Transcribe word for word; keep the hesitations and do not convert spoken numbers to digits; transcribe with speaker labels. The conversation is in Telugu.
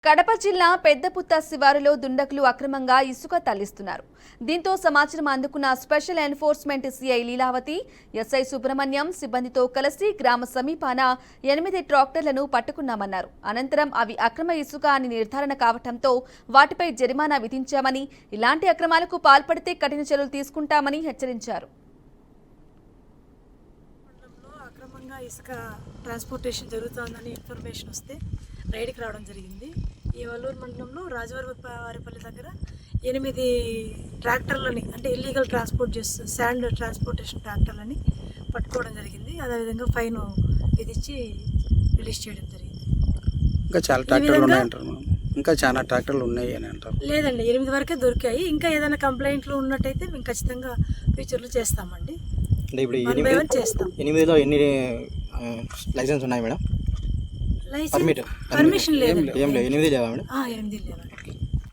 Speaker 1: కడప జిల్లా పెద్దపుత్త శివారులో దుండగులు అక్రమంగా ఇసుక తరలిస్తున్నారు. దీంతో సమాచారం అందుకున్న special enforcement CI Leelavathi, SI Subrahmanyam సిబ్బందితో కలిసి గ్రామ సమీపాన ఎనిమిది ట్రాక్టర్లను పట్టుకున్నామన్నారు. అనంతరం అవి అక్రమ ఇసుక అని నిర్ధారణ కావడంతో వాటిపై జరిమానా విధించామని, ఇలాంటి అక్రమాలకు పాల్పడితే కఠిన చర్యలు తీసుకుంటామని హెచ్చరించారు.
Speaker 2: ఇసుక ట్రాన్స్పోర్టేషన్ జరుగుతుందని ఇన్ఫర్మేషన్ వస్తే రైడ్కి రావడం జరిగింది. ఈ వల్లూరు మండలంలో రాజవారిపల్లి దగ్గర ఎనిమిది ట్రాక్టర్లని అంటే ఇల్లీగల్ ట్రాన్స్పోర్ట్ చేస్తూ శాండ్ ట్రాన్స్పోర్టేషన్ ట్రాక్టర్లని పట్టుకోవడం జరిగింది. అదేవిధంగా ఫైన్ విధించి రిలీజ్ చేయడం జరిగింది.
Speaker 3: ఇంకా చాలా ట్రాక్టర్లు ఉన్నాయంటారు ఇంకా చాలా ట్రాక్టర్లు ఉన్నాయి అని అంటారు.
Speaker 2: లేదండి, ఎనిమిది వరకే దొరికాయి. ఇంకా ఏదైనా కంప్లైంట్లు ఉన్నట్టయితే మేము ఖచ్చితంగా ఫ్యూచర్లో చేస్తామండి.
Speaker 3: అంటే ఇప్పుడు ఎనిమిదిలో ఎన్ని లైసెన్స్ ఉన్నాయి మేడం?
Speaker 2: లైసెన్స్ పర్మిషన్ లేదు.
Speaker 3: ఏం లేదు, ఎనిమిది లేవా మేడం?
Speaker 2: ఎనిమిది లేవా.